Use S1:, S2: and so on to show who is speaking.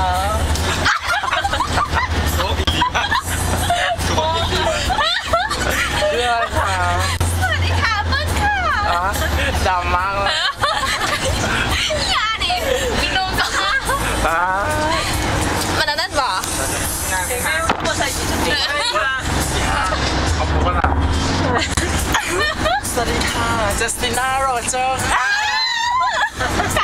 S1: โอ้ดีมากโอ้ดีมากเรื่องอะไรคะสวัสดีค่ะเปิ้ลค่ะดำมากเลย
S2: อย่าดิกินนมก่อนมันนั่นบ่ไม่ใช่กินจริง
S1: เอาพูดว่าสวัสดีค่ะจัสติน่าโรเจอร์ค่ะ